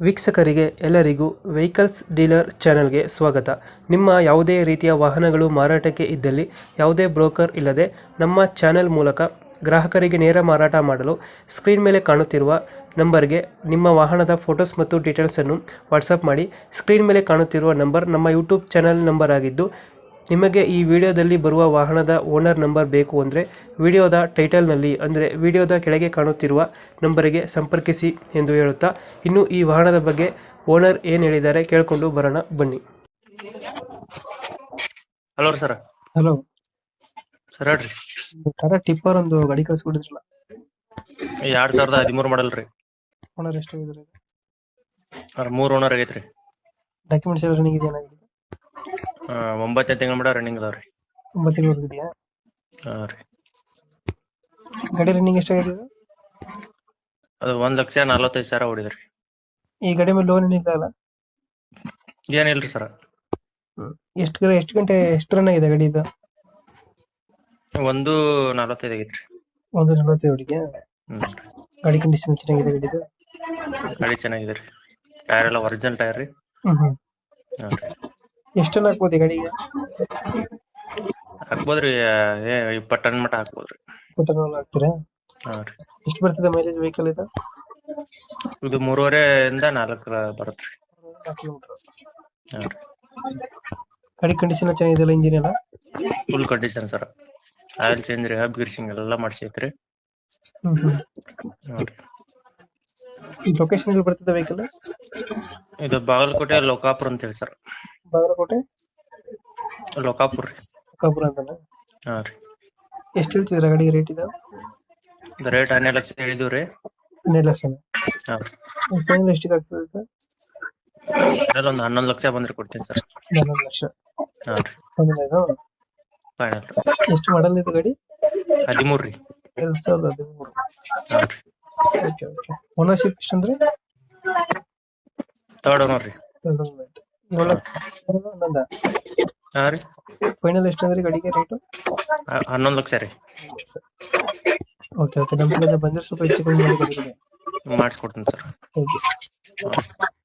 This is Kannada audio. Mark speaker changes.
Speaker 1: ವೀಕ್ಷಕರಿಗೆ ಎಲ್ಲರಿಗೂ ವೆಹಿಕಲ್ಸ್ ಡೀಲರ್ ಚಾನೆಲ್ಗೆ ಸ್ವಾಗತ. ನಿಮ್ಮ ಯಾವುದೇ ರೀತಿಯ ವಾಹನಗಳು ಮಾರಾಟಕ್ಕೆ ಇದ್ದಲ್ಲಿ ಯಾವುದೇ ಬ್ರೋಕರ್ ಇಲ್ಲದೆ ನಮ್ಮ ಚಾನೆಲ್ ಮೂಲಕ ಗ್ರಾಹಕರಿಗೆ ನೇರ ಮಾರಾಟ ಮಾಡಲು ಸ್ಕ್ರೀನ್ ಮೇಲೆ ಕಾಣುತ್ತಿರುವ ನಂಬರ್ಗೆ ನಿಮ್ಮ ವಾಹನದ ಫೋಟೋಸ್ ಮತ್ತು ಡೀಟೇಲ್ಸನ್ನು ವಾಟ್ಸಪ್ ಮಾಡಿ. ಸ್ಕ್ರೀನ್ ಮೇಲೆ ಕಾಣುತ್ತಿರುವ ನಂಬರ್ ನಮ್ಮ ಯೂಟ್ಯೂಬ್ ಚಾನೆಲ್ ನಂಬರ್ ಆಗಿದ್ದು, ನಿಮಗೆ ಈ ವಿಡಿಯೋದಲ್ಲಿ ಬರುವ ವಾಹನದ ಓನರ್ ನಂಬರ್ ಬೇಕು ಅಂದರೆ ವಿಡಿಯೋದ ಟೈಟಲ್ನಲ್ಲಿ ಅಂದರೆ ವಿಡಿಯೋದ ಕೆಳಗೆ ಕಾಣುತ್ತಿರುವ ನಂಬರಿಗೆ ಸಂಪರ್ಕಿಸಿ ಎಂದು ಹೇಳುತ್ತಾ, ಇನ್ನು ಈ ವಾಹನದ ಬಗ್ಗೆ ಓನರ್ ಏನು ಹೇಳಿದ್ದಾರೆ ಕೇಳಿಕೊಂಡು ಬರೋಣ ಬನ್ನಿ.
Speaker 2: Hello sir.
Speaker 1: ಹಲೋ
Speaker 2: ಸರ್ ಹೇಳ್ರಿ.
Speaker 1: ಟಾಟಾ ಟಿಪ್ಪರ್ ಒಂದು ಗಾಡಿ ಕಳಿಸ್ಬಿಟ್ಟಿದ್ರಲ್ಲ,
Speaker 2: 2013 ಮಾಡಲ್ ರೀ.
Speaker 1: ಓನರ್ ಎಷ್ಟಾಗಿದ್ದಾರೆ?
Speaker 2: 3 ಓನರ್ ಆಗೈತ್ರಿ.
Speaker 1: ಡಾಕ್ಯುಮೆಂಟ್ಸ್ ಎಲ್ಲ ರನ್ನಿಂಗ್ ಇದೆಯಾ?
Speaker 2: 9 ತಿಂಗಳ ಮಟ ರನ್ನಿಂಗ್ ಅದಾವ್ರಿ.
Speaker 1: 9 ತಿಂಗಳು ಇದೆಯಾ?
Speaker 2: ರೀ.
Speaker 1: ಗಾಡಿ ರನ್ನಿಂಗ್ ಎಷ್ಟಾಗಿದೆ?
Speaker 2: ಅದು 1,45,000 ಹೊಡಿದ್ರಿ.
Speaker 1: ಈ ಗಾಡಿ ಮೇಲೆ ಲೋನ್ ಏನಿಲ್ಲ ಅಲ್ಲ?
Speaker 2: ಏನಿಲ್ರಿ ಸರ್.
Speaker 1: ಎಷ್ಟು ಗಂಟೆ ಎಷ್ಟು ರನ್ ಆಗಿದೆ ಗಾಡಿ ಇದು?
Speaker 2: 1:45 ಆಗೈತ್ರಿ.
Speaker 1: 1:45 ಹೊಡಿದ್ಯಾ? ಗಾಡಿ ಕಂಡೀಷನ್ ಚೆನ್ನಾಗಿದೆ ಗಾಡಿದು?
Speaker 2: ಗಾಡಿ ಚೆನ್ನಾಗಿದೆ ರೀ. ಟೈರ್ ಎಲ್ಲ ಒರಿಜಿನಲ್ ಟೈರ್ ರೀ.
Speaker 1: ಎಷ್ಟು ಟನ್ ಹಾಕ್ಬೋದು ಈ ಗಾಡಿಗೆ?
Speaker 2: ಹಾಕ್ಬೋದ್ರಿ. 20 ಟನ್ ಮಟ ಹಾಕ್ಬೋದ್ರಿ.
Speaker 1: 20 ಟನ್ ಹಾಕ್ತೀರಾ?
Speaker 2: ರೀ.
Speaker 1: ಎಷ್ಟು ಬರ್ತದೆ ಮೈಲೇಜ್ ವೆಹಿಕಲ್ ಇದು?
Speaker 2: ಇದು 3.5 ಇಂದ 4 ಬರುತ್ತ್ರಿ.
Speaker 1: 4 ಕಿಲೋಮೀಟರ್.
Speaker 2: ರೀ.
Speaker 1: ಗಾಡಿ ಕಂಡೀಷನ್ ಚೆನ್ನಾಗಿದೆಯಲ್ಲ, ಇಂಜಿನ್ ಎಲ್ಲ?
Speaker 2: Full condition sir. Oil change ರೀ, ಹಬ್ ಗಿರ್ಸಿಂಗ್ ಎಲ್ಲ ಮಾಡಿಸೈತ್ರಿ.
Speaker 1: ಈ ಲೊಕೇಶನ್ ಎಲ್ಲಿ ಬರ್ತದೆ ವೆಹಿಕಲ್?
Speaker 2: ಇದು ಬಾಗಲಕೋಟೆ ಲೋಕಾಪುರ ಅಂತ ಹೇಳಿ ಸರ್.
Speaker 1: ಬಾಗಲಕೋಟೆ
Speaker 2: ಲೋಕಾಪುರ ರೀ.
Speaker 1: ಲೋಕಾಪುರ ಅಂತಾನೆ?
Speaker 2: ರೀ.
Speaker 1: ಎಷ್ಟು ಹೇಳ್ತಿದ್ರ ಗಾಡಿಗೆ ರೇಟ್ ಇದು?
Speaker 2: ರೇಟ್ 12 ಲಕ್ಷ ಹೇಳಿದೀವ್ರಿ.
Speaker 1: 12 ಲಕ್ಷ?
Speaker 2: ರೀ.
Speaker 1: ಫೈನಲ್ ಎಷ್ಟಿಗೆ ಆಗ್ತದೆ ಇದು?
Speaker 2: ಒಂದು 11 ಲಕ್ಷ ಬಂದ್ರೆ ಕೊಡ್ತೀನಿ ಸರ್.
Speaker 1: 11 ಲಕ್ಷ
Speaker 2: ರೀ.
Speaker 1: ಫೈನಲ್ ಇದು?
Speaker 2: ಫೈನಲ್.
Speaker 1: ಎಷ್ಟು ಮಾಡಲ್ ಇದು ಗಾಡಿ?
Speaker 2: 13 ರೀ.
Speaker 1: 2013.
Speaker 2: ರೀ.
Speaker 1: Okay okay. ಓನರ್ಶಿಪ್ ಎಷ್ಟು ಅಂದ್ರೆ?
Speaker 2: ಥರ್ಡ್ ಓನರ್ ರೀ. ರೀ.
Speaker 1: ಫೈನಲ್ ಎಷ್ಟು ಅಂದ್ರೆ ಗಾಡಿಗೆ ರೇಟು?
Speaker 2: 11 ಲಕ್ಷ ರೀ.
Speaker 1: Okay okay. ನಮ್ಮ ಕಡೆಯಿಂದ ಬಂದ್ರೆ ಸ್ವಲ್ಪ ಹೆಚ್ಚು ಕಮ್ಮಿ ಮಾಡಿ ಗಾಡಿಗೆ
Speaker 2: ಮಾಡಿಸ್ಕೊಡ್ತೀನಿ ಸರ್.
Speaker 1: Thank you.